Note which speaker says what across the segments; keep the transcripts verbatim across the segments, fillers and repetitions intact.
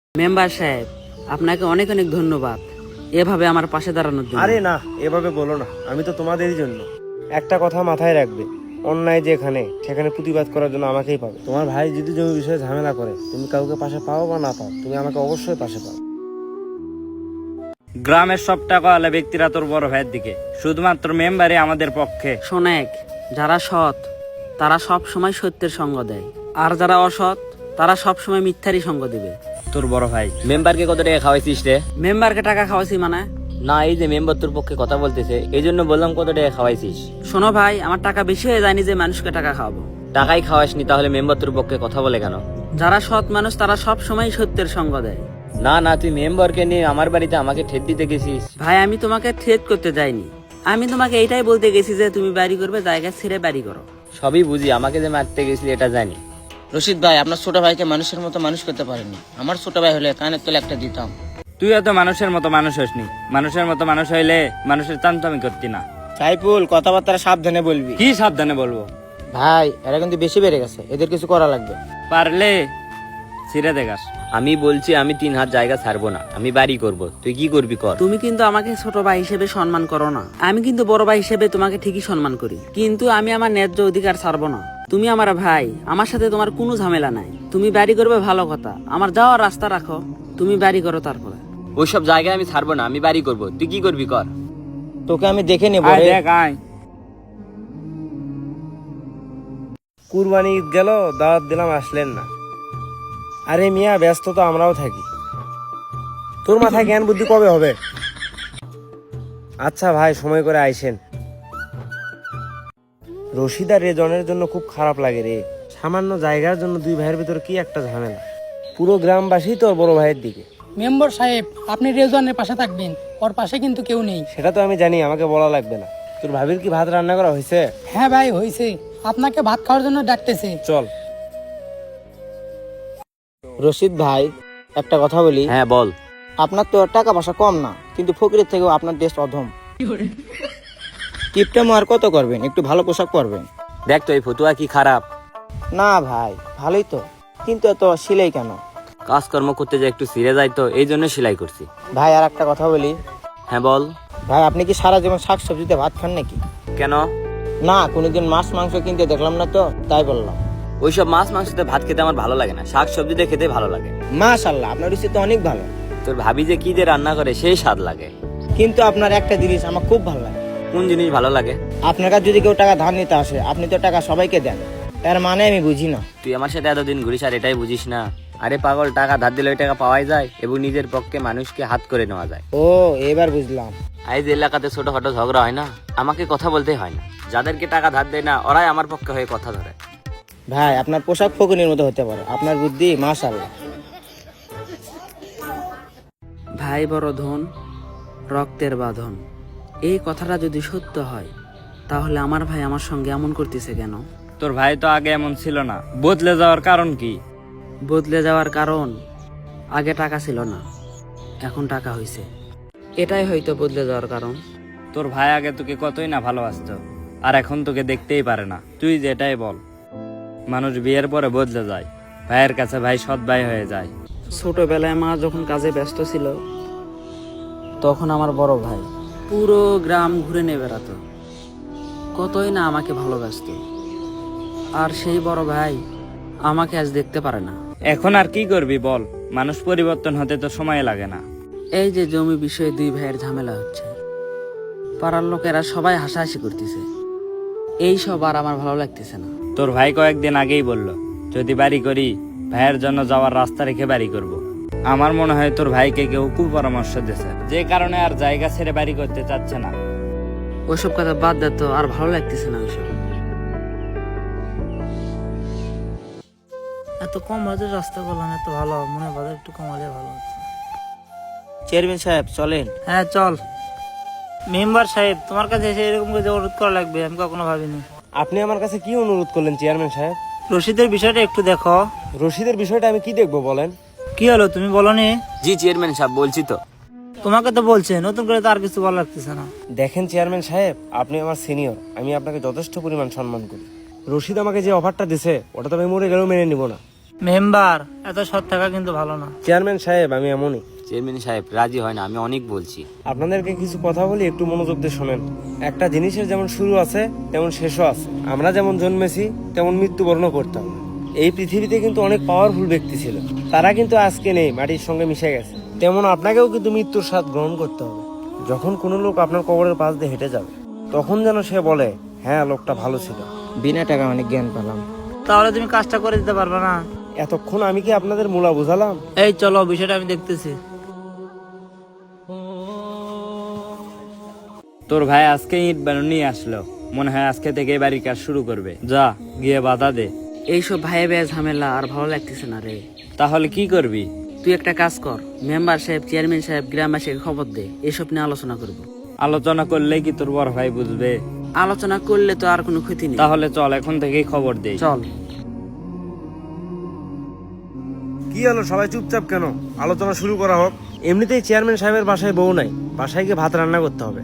Speaker 1: Member সাহেব, আপনাকে অনেক অনেক ধন্যবাদ এভাবে আমার পাশে দাঁড়ানোর জন্য।
Speaker 2: আরে না, এভাবে বলো না, আমি তো তোমাদেরই জন্য। একটা কথা মাথায় রাখবে, অন্যায় যেখানে সেখানে প্রতিবাদ করার জন্য আমাকেই পাবে। তোমার ভাই যদি জমি বিষয়ে ঝামেলা করে, তুমি কাউকে পাশে পাও বা না পাও, তুমি আমাকে অবশ্যই পাশে পাও।
Speaker 3: গ্রামের সব টাকাওয়ালা ব্যক্তিরা তোর বড় ভাইয়ের দিকে, শুধুমাত্র মেম্বারই আমাদের পক্ষে।
Speaker 1: শোনেক, যারা সৎ তারা সব সময় সত্যের সঙ্গ দেয়, আর যারা অসৎ তারা সব সময় মিথ্যারই সঙ্গ দিবে।
Speaker 3: তোর বড় ভাই
Speaker 4: মেম্বারকে কত টাকা খাওয়াইছিস রে?
Speaker 1: মেম্বারকে টাকা খাওয়াছি মানে?
Speaker 4: না, এই যে মেম্বার তোর পক্ষে কথা বলতেছে, এই জন্য বললাম কত টাকা খাওয়াইছিস।
Speaker 1: শোনো ভাই, আমার টাকা বেশি হয়ে যায়নি যে মানুষকে টাকা খাওয়াবো।
Speaker 4: টাকাই খাওয়াসনি, তাহলে মেম্বার তোর পক্ষে কথা বলে কেন?
Speaker 1: যারা সৎ মানুষ তারা সব সময় সত্যের সঙ্গ দেয়।
Speaker 4: না না, তুই মেম্বারকে নিয়ে আমার বাড়িতে আমাকে ঠেট দিতে গেছিস।
Speaker 1: ভাই, আমি তোমাকে থ্রেট করতে যাইনি, আমি তোমাকে এইটাই বলতে গেছি যে তুমি বাড়ি করবে, জায়গা ছেড়ে বাড়ি করো।
Speaker 4: সবই বুঝি, আমাকে যে মারতে গেছিলি এটা জানি।
Speaker 5: রশিদ ভাই, আপনার ছোট ভাইকে মানুষের মতো মানুষ করতে পারেননি। আমার ছোট ভাই হলে কানের তলে একটা দিতাম।
Speaker 3: তুই এত মানুষের মতো মানুষ হসনি। মানুষের মতো মানুষ হইলে মানুষের চামচামি করতি না।
Speaker 2: সাইফুল, কথাবার্তা সাবধানে বলবি।
Speaker 3: কি সাবধানে বলবো?
Speaker 5: ভাই, এরা কিন্তু বেশি বেড়ে গেছে, এদের কিছু করা লাগবে।
Speaker 3: পারলে ছিঁড়ে দেখাস।
Speaker 4: আমি বলছি আমি তিন হাত জায়গা ছাড়বো না, আমি বাড়ি করব। তুই কি করবি কর।
Speaker 1: তুমি কিন্তু আমাকে ছোট ভাই হিসেবে সম্মান করো না, আমি কিন্তু বড় ভাই হিসেবে তোমাকে ঠিকই সম্মান করি, কিন্তু আমি আমার ন্যায্য অধিকার ছাড়বো না। তুমি আমার ভাই, আমার সাথে তোমার কোনো ঝামেলা নাই। তুমি বাড়ি করবে ভালো কথা, আমার যাওয়ার রাস্তা রাখো, তুমি বাড়ি করো তারপরে।
Speaker 4: ওইসব জায়গায় আমি ছাড়বো না, আমি বাড়ি করব। তুই কি করবি কর।
Speaker 5: তোকে আমি দেখে নেব
Speaker 3: আয়
Speaker 5: রে।
Speaker 3: দেখ, আয়।
Speaker 2: কুরবানি ঈদ গেল, দাওয়াত দিলাম, আসলেন না। আরে মিয়া, ব্যস্ত তো আমরাও থাকি। তোর মাথায় জ্ঞান বুদ্ধি কবে হবে? আচ্ছা ভাই, সময় করে আইসেন। রশিদ আর রেজনের জন্য খুব খারাপ লাগে রে। সামান্য জায়গার জন্য দুই ভাইয়ের ভিতরে কি একটা ঝামেলা। পুরো গ্রামবাসী তোর বড় ভাইয়ের দিকে।
Speaker 6: মেম্বার সাহেব, আপনি রেজওয়ানের পাশে থাকবেন, ওর পাশে কিন্তু কেউ নেই।
Speaker 2: সেটা তো আমি জানি, আমাকে বলা লাগবে না। তোর ভাবির কি ভাত রান্না করা হয়েছে?
Speaker 6: হ্যাঁ ভাই, হয়েছে, আপনাকে ভাত খাওয়ার জন্য ডাকতেছে।
Speaker 2: চল।
Speaker 5: রশিদ ভাই, একটা কথা বলি।
Speaker 4: হ্যাঁ বল।
Speaker 5: আপনার তো টাকা পয়সা কম না, কিন্তু ফকিরের থেকেও আপনার দেশ অধম। টিপটা আর কত করবেন, একটু ভালো পোশাক পরবেন।
Speaker 4: দেখ তো এই ফতুয়া কি খারাপ?
Speaker 5: না ভাই, ভালোই তো, কিন্তু এত সিলাই কেন?
Speaker 4: কাজকর্ম করতে যে একটু ছিঁড়ে যায় তো, এই জন্য সেলাই করছি।
Speaker 5: ভাই, আর একটা কথা বলি।
Speaker 4: হ্যাঁ বল।
Speaker 5: ভাই, আপনি কি সারা জীবন শাক সবজিতে ভাত খান নাকি?
Speaker 4: কেন?
Speaker 5: না, কোনোদিন মাছ মাংস কিনতে দেখলাম না তো, তাই বললাম।
Speaker 4: ওইসব মাছ মাংসতে ভাত খেতে আমার ভালো লাগে না, শাক সবজিতে খেতে ভালো লাগে।
Speaker 5: মাশাআল্লাহ, আপনার রুচি তো অনেক ভালো।
Speaker 4: তোর ভাবি যে কি যে রান্না করে সেই স্বাদ লাগে।
Speaker 5: কিন্তু আপনার একটা জিনিস আমার খুব ভালো লাগে।
Speaker 4: কোন জিনিস ভালো লাগে?
Speaker 5: আপনার কাছে যদি কেউ টাকা ধার নিতে আসে, আপনি তো টাকা সবাইকে দেন, তার মানে আমি বুঝি না।
Speaker 4: তুই আমার সাথে এতদিন ঘুরিস আর এটাই বুঝিস না? আরে পাগল, টাকা ধার দিলে ওই টাকা পাওয়াই যায় এবং নিজের পক্ষে মানুষকে হাত করে নেওয়া যায়।
Speaker 5: ও, এবার বুঝলাম।
Speaker 4: আজ এলাকাতে ছোটখাটো ঝগড়া হয় না, আমাকে কথা বলতে হয় না। যাদেরকে টাকা ধার দেয় না, ওরাই আমার পক্ষে হয়ে কথা ধরে।
Speaker 5: ভাই, আপনার পোশাক ফকুনির মতো হতে পারে, আপনার বুদ্ধি মাশাআল্লাহ।
Speaker 1: ভাই বড় ধন, রক্তের বাঁধন, এই কথাটা যদি সত্য হয় তাহলে আমার ভাই আমার সঙ্গে এমন করতেছে কেন?
Speaker 3: তোর ভাই তো আগে এমন ছিল না, বদলে যাওয়ার কারণ কি?
Speaker 1: বদলে যাওয়ার কারণ, আগে টাকা ছিল না, এখন টাকা হয়েছে, এটাই হয়তো বদলে যাওয়ার কারণ।
Speaker 3: তোর ভাই আগে তোকে কতই না ভালোবাসতো, আর এখন তোকে দেখতেই পারে না। তুই যেটাই বল, মানুষ বিয়ের পরে বদলে যায়, ভাইয়ের কাছে ভাই সৎ ভাই হয়ে যায়।
Speaker 1: ছোটবেলায় মা যখন কাজে ব্যস্ত ছিল, তখন আমার বড় ভাই পুরো গ্রাম ঘুরে নিয়ে বেড়াতো, কতই না আমাকে ভালোবাসত, আর সেই বড় ভাই আমাকে আজ দেখতে পারে না।
Speaker 3: এখন আর কি করবি বল, মানুষ পরিবর্তন হতে তো সময় লাগে না।
Speaker 1: এই যে জমি বিষয়ে দুই ভাইয়ের ঝামেলা হচ্ছে, পাড়ার লোকেরা সবাই হাসাহাসি করতেছে, এই সব আর আমার ভালো লাগতেছে না।
Speaker 3: তোর ভাই কয়েকদিন আগেই বলল, যদি বাড়ি করি ভাইয়ের জন্য যাওয়ার রাস্তা রেখে বাড়ি করব। আমার মনে হয় তোর ভাইকে কেউ কুপরামর্শ দিয়েছে, যে কারণে আর জায়গা ছেড়ে বাড়ি করতে চাচ্ছে না।
Speaker 1: ওইসব কথা বাদ দে তো, আর ভালো লাগতেছে না ওইসব।
Speaker 7: এত কম বাজেট রাস্তা করলাম, এত ভালো মনে হয় বাজেট একটু কমালে ভালো হতো।
Speaker 5: চেয়ারম্যান সাহেব, চলেন।
Speaker 7: হ্যাঁ চল। মেম্বার সাহেব, তোমার কাছে এসে এরকম করে অনুরোধ করা লাগবে আমি কখনো ভাবিনি।
Speaker 2: আপনি আমার কাছে কি অনুরোধ করলেন চেয়ারম্যান সাহেব?
Speaker 7: রশিদের বিষয়টা একটু দেখো।
Speaker 2: রশিদের বিষয়টা আমি কি দেখবো বলেন?
Speaker 7: কি হলো, তুমি বলনি?
Speaker 4: জি চেয়ারম্যান সাহেব, বলছি তো।
Speaker 7: তোমাকে তো বলছে, নতুন করে তো আর কিছু ভালো লাগতেছে না।
Speaker 2: দেখেন চেয়ারম্যান সাহেব, আপনি আমার সিনিয়র, আমি আপনাকে যথেষ্ট পরিমাণ সম্মান করি। রশিদ আমাকে যে অফারটা দিছে, ওটা তো আমি মরে গেলেও মেনে নিব না।
Speaker 7: মেম্বার এত সৎ থাকা কিন্তু ভালো না।
Speaker 2: চেয়ারম্যান সাহেব আমি এমনই।
Speaker 4: চেয়ারম্যান সাহেব রাজি হয় না, আমি অনেক বলছি।
Speaker 2: আপনাদেরকে কিছু কথা বলি, একটু মনোযোগ দিয়ে শোনেন। একটা জিনিসের যেমন শুরু আছে তেমন শেষও আছে। আমরা যেমন জন্মেছি তেমন মৃত্যুবরণও করতাম। এই পৃথিবীতে কিন্তু অনেক পাওয়ারফুল ব্যক্তি ছিল, তারা কিন্তু আজকে নেই, মাটির সঙ্গে মিশে গেছে। তেমন আপনাকেও কিন্তু মৃত্যুর স্বাদ গ্রহণ করতে হবে। যখন কোনো লোক আপনার কবরের পাশ দিয়ে হেঁটে যাবে তখন যেন সে বলে, হ্যাঁ লোকটা ভালো ছিল।
Speaker 5: বিনা টাকা অনেক জ্ঞান পেলাম।
Speaker 7: তাহলে তুমি কাজটা করে দিতে পারবে না?
Speaker 2: এতক্ষণ আমি কি আপনাদের মূলা বুঝালাম?
Speaker 7: এই চলো, বিষয়টা আমি দেখতেছি।
Speaker 3: তোর ভাই আজকে ইট বালু নিয়ে আসলো, মনে হয় আজকে থেকে বাড়ির কাজ শুরু করবে। যা গিয়ে বাধা দে।
Speaker 1: এইসব ভাইয়ে ভাইয়ে ঝামেলা আর ভালো লাগতেছে না রে।
Speaker 3: তাহলে কি করবি?
Speaker 1: তুই একটা কাজ কর, মেম্বার সাহেব, চেয়ারম্যান সাহেব, গ্রামবাসীকে খবর দে, এসব নিয়ে আলোচনা করব।
Speaker 3: আলোচনা করলে কি তোর বড় ভাই বুঝবে?
Speaker 1: আলোচনা করলে তো আর কোনো ক্ষতি নেই।
Speaker 3: তাহলে চল এখন থেকেই খবর দে।
Speaker 1: চল।
Speaker 2: কি হলো, সবাই চুপচাপ কেন? আলোচনা শুরু করা হোক। এমনিতেই চেয়ারম্যান সাহেবের বাসায় বউ নাই, বাসায় গিয়ে ভাত রান্না করতে হবে।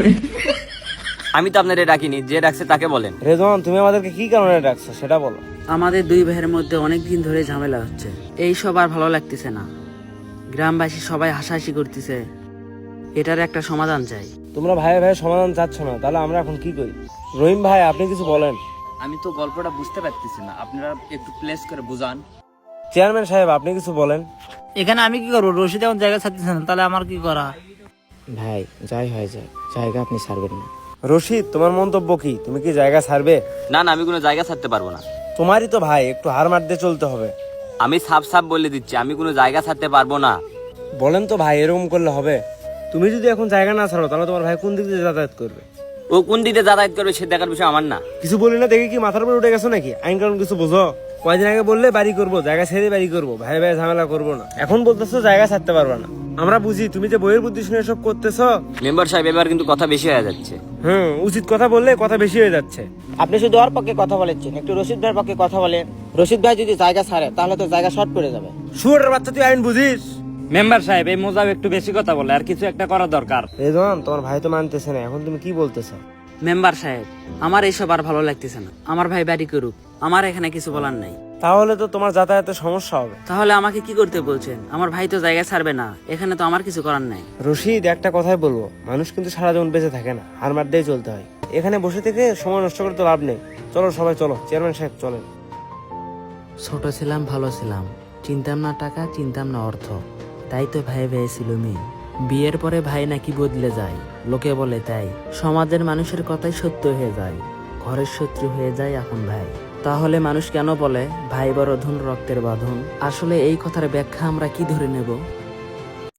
Speaker 4: আমি তো আপনাদের ডাকিনি, যে ডাকছে তাকে বলেন।
Speaker 2: রেজওয়ান, তুমি আমাদেরকে কি কারণে ডাকছো সেটা বলো।
Speaker 1: আমাদের দুই ভাইয়ের মধ্যে অনেক দিন ধরে ঝামেলা হচ্ছে, এই সব আর ভালো লাগতেছে না। গ্রামবাসী সবাই হাসাহাসি করতেছে, এটার একটা সমাধান চাই।
Speaker 2: তোমরা ভাই ভাই সমাধান চাচ্ছ না, তাহলে আমরা এখন কি করি? রহিম ভাই, আপনি কিছু বলেন।
Speaker 3: আমি তো গল্পটা বুঝতে পারতেছি না, আপনারা একটু প্লেস করে বুঝান।
Speaker 2: চেয়ারম্যান সাহেব, আপনি কিছু বলেন।
Speaker 7: এখানে আমি কি করবো? রশিদ এখন জায়গা ছাড়তেছে না, তাহলে আমার কি করা?
Speaker 5: ভাই যাই হয়ে যায়, জায়গা আপনি ছাড়বেন না।
Speaker 2: রশিদ, তোমার মন্তব্য কি? তুমি কি জায়গা ছাড়বে?
Speaker 4: না না, আমি কোনো জায়গা ছাড়তে পারবো না।
Speaker 2: তোমারই তো ভাই, একটু হার মার দিয়ে চলতে হবে।
Speaker 4: আমি সাফ সাফ বলে দিচ্ছি, আমি কোনো জায়গা ছাড়তে পারবো না।
Speaker 2: বলেন তো ভাই, এরকম করলে হবে? তুমি যদি এখন জায়গা না ছাড়ো তাহলে তোমার ভাই কোন দিক দিয়ে যাতায়াত করবে?
Speaker 4: ও কোন দিকে যাতায়াত করবে সে দেখার বিষয় আমার না।
Speaker 2: কিছু বলি না দেখে কি মাথার উপর উঠে গেছো নাকি? আইন কানুন কিছু বোঝো? কয়দিন আগে বললে বাড়ি করবো, জায়গা ছেড়ে বাড়ি করবো, ভাই ভাই ঝামেলা করবো না। এখন বলতেছো জায়গা ছাড়তে পারবে না। আমরা বুঝি তুমি যে বইয়ের বুদ্ধি শুনে এসব করতেছো।
Speaker 4: মেম্বার সাহেব, এবার কিন্তু কথা বেশি হয়ে যাচ্ছে।
Speaker 2: হুম, উচিত কথা বললে কথা বেশি হয়ে যাচ্ছে।
Speaker 5: আপনি শুধু ওর পক্ষে কথা বলেছেন, একটু রশিদ ভাইয়ের পক্ষে কথা বলেন। রশিদ ভাই যদি জায়গা ছাড়ে তাহলে তো জায়গা শর্ট পড়ে যাবে।
Speaker 2: শুয়োরের বাচ্চা, তুই আইন বুঝিস?
Speaker 3: মেম্বার সাহেব, এই মোজাব একটু বেশি কথা বলে, আর কিছু একটা করা দরকার।
Speaker 2: রেজওয়ান, তোমার ভাই তো মানতেছে না, এখন তুমি কি বলতেছো?
Speaker 1: মেম্বার সাহেব, আমার এইসব আর ভালো লাগতেছে না। আমার ভাই বাড়ি করুক, আমার এখানে কিছু বলার নাই।
Speaker 2: তাহলে তো তোমার যাতায়াতের সমস্যা হবে।
Speaker 1: তাহলে আমাকে কি করতে বলছেন? আমার ভাই তো জায়গা ছাড়বে না, এখানে তো আমার কিছু করার নাই।
Speaker 2: রশিদ, একটা কথাই বলবো, মানুষ কিন্তু সারা জীবন বেঁচে থাকে না, হার মার দিয়ে চলতে হয়। এখানে বসে থেকে সময় নষ্ট করে তো লাভ নেই। চলো সবাই চলো, চেয়ারম্যান সাহেব চলেন।
Speaker 1: ছোট ছিলাম, ভালো ছিলাম, চিনতাম না টাকা, চিনতাম না অর্থ, তাই তো ভাই ভাই ছিল মেয়ে। বিয়ের পরে ভাই নাকি বদলে যায়, লোকে বলে তাই। সমাজের মানুষের কথাই সত্য হয়ে যায়, ঘরের শত্রু হয়ে যায় এখন ভাই। তাহলে মানুষ কেন বলে ভাই বড় ধন রক্তের বাঁধন? আসলে এই কথার ব্যাখ্যা আমরা কি ধরে নেব?